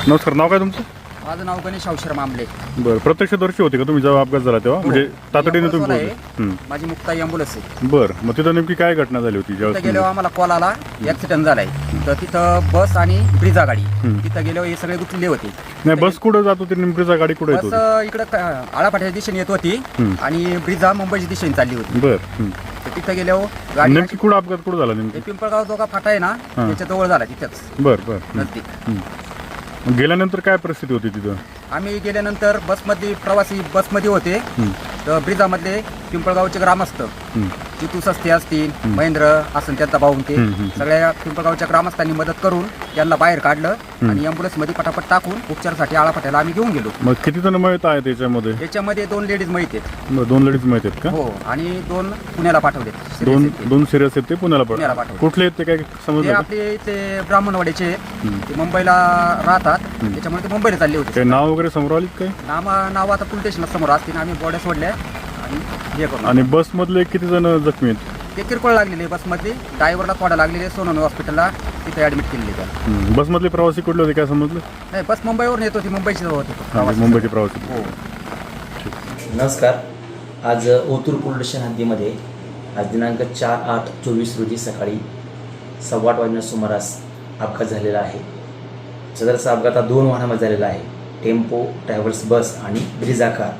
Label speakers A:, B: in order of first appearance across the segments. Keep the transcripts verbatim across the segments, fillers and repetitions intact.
A: नमस्कार, नाव काय तुमचं?
B: माझं नाव गणेश अवशर मामले.
A: बरं, प्रत्यक्षदर्शी होते का तुम्ही जेव्हा अपघात झाला तेव्हा? म्हणजे तातडीने तुम्ही
B: आहे.
A: पोहोचले? हं.
B: माझी मुक्ताई अँब्युलन्स आहे.
A: बरं, मग तिथं नेमकी काय घटना झाली होती
B: तिथं
A: ज्यावेळेस
B: गेल्यावर आम्हाला कॉल आला ऍक्सिडेंट झालाय. तर तिथं बस आणि ब्रिजा गाडी
A: हं.
B: तिथं गेल्यावर हे सगळे गुंतलेले होते.
A: नाही, बस कुठं जात होती नेमकीचा गाडी कुठे येत
B: बस
A: होती?
B: इकडं आळापाट्याच्या दिशेने येत होती
A: हं.
B: आणि ब्रिजा मुंबईच्या दिशेने चालली होती.
A: बरं. हं.
B: तर तिथं गेल्यावर गाडी
A: नेमकी कुठं अपघात कुठं झाला
B: ते
A: नेमकी?
B: पिंपळगाव जोगा फाटा आहे ना
A: हां.
B: त्याच्या जवळ झाला तिथंच
A: बरं बरं. हं.
B: नजदीक.
A: हं. मग गेल्यानंतर काय परिस्थिती होती तिथं?
B: आम्ही गेल्यानंतर बसमध्ये प्रवासी बसमध्ये होते.
A: हं.
B: तर ब्रिजामधले पिंपळगावचे ग्रामस्थ
A: हं.
B: जितू सस्ते असतील, महेंद्र असं त्यांचा भाऊ ते
A: हं, हं.
B: सगळ्या पिंपळगावच्या ग्रामस्थांनी मदत करून त्यांना बाहेर काढलं आणि अँब्युलन्स मध्ये पटापट टाकून उपचारासाठी आळापाट्याला आम्ही घेऊन गेलो.
A: मग किती जण मयत आहेत त्याच्यामध्ये?
B: त्याच्यामध्ये दोन लेडीज माहिती आहेत.
A: बरं, दोन लेडीज माहित आहेत का?
B: हो, आणि दोन पुण्याला पाठवले.
A: दोन दोन सिरियस आहेत ते पुण्याला
B: पुण्याला
A: पड
B: पाठवले.
A: कुठले आहेत ते काय
B: ते
A: समजलं का?
B: आपले ते ब्राह्मणवाड्याचे आहेत.
A: हं.
B: ते मुंबईला राहतात, त्याच्यामुळे ते मुंबईला चालले होते.
A: काय नाव वगैरे समोर आलीत काय?
B: नाव नाव आता पोलीस स्टेशनला समोर असतील. आम्ही बॉड्या सोडल्या आणि हे करून
A: आणि बसमधले किती जण जखमी आहेत?
B: ते किरकोळ लागलेले बसमध्ये. ड्रायव्हरला थोडा लागलेले सोनोनी हॉस्पिटलला तिथे ॲडमिट केलेले त्या.
A: हं. बसमधले प्रवासी कुठले होते काय समजलं?
B: नाही, बस मुंबईवरून येत होती, मुंबईची होती
A: हां,
B: प्रवासी.
A: मुंबईचे प्रवासी.
B: हो.
C: नमस्कार. आज ओतूर पोलीस स्टेशन हद्दीमध्ये आज दिनांक चार आठ चोवीस रोजी सकाळी सव्वा आठ वाजण्याच्या सुमारास अपघात झालेला आहे. सदरचा अपघात हा दोन वाहनामध्ये झालेला आहे. टेम्पो ट्रॅव्हल्स बस आणि ब्रिझा कार.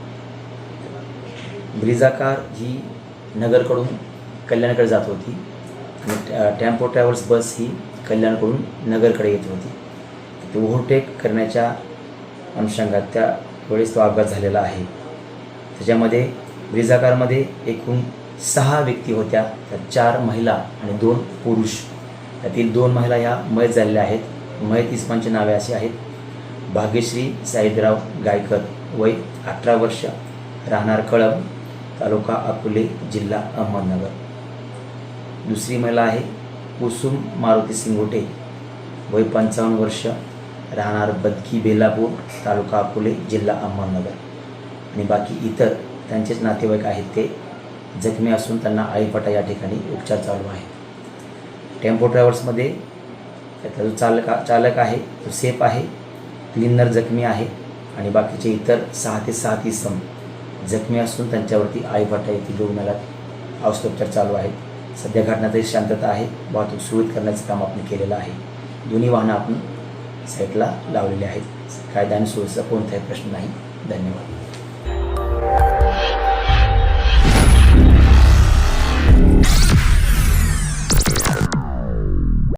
C: ब्रिझा कार ही नगरकडून कल्याणकडे जात होती आणि टेम्पो ट्रॅव्हल्स बस ही कल्याणकडून नगरकडे येत होती. ते ओव्हरटेक करण्याच्या अनुषंगात त्यावेळेस तो अपघात झालेला आहे. त्याच्यामध्ये ब्रिझा कारमध्ये एकूण सहा व्यक्ती होत्या. त्यात चार महिला आणि दोन पुरुष. त्यातील दोन महिला ह्या मयत झालेल्या आहेत. मयत इस्मांची नावे अशी आहेत: भाग्यश्री साईदराव गायकर, वय अठरा वर्ष, राहणार कळंब, तालुका अकोले, जिल्हा अहमदनगर. दुसरी महिला आहे कुसुम मारुती सिंगोटे, वय पंचावन्न वर्ष, राहणार बदकी बेलापूर, तालुका अकोले, जिल्हा अहमदनगर. आणि बाकी इतर त्यांचेच नातेवाईक आहेत ते जखमी असून त्यांना आळीपाटा या ठिकाणी उपचार चालू आहेत. टेम्पो ट्रॅव्हल्समध्ये त्यातला जो चालक चालक आहे तो सेफ आहे. क्लिनर जखमी आहे आणि बाकीचे इतर सहा ते सात इसम जखमी असून त्यांच्यावरती आळीपाटा येथील रुग्णालयात औषधोपचार चालू आहेत. सध्या घटनाची शांतता आहे. वाहतूक सुरळीत करण्याचं काम आपण केलेलं आहे. दोन्ही वाहनं आपण साईडला लावलेली आहेत. कायदा आणि सुव्यवस्थेचा कोणताही प्रश्न नाही. धन्यवाद.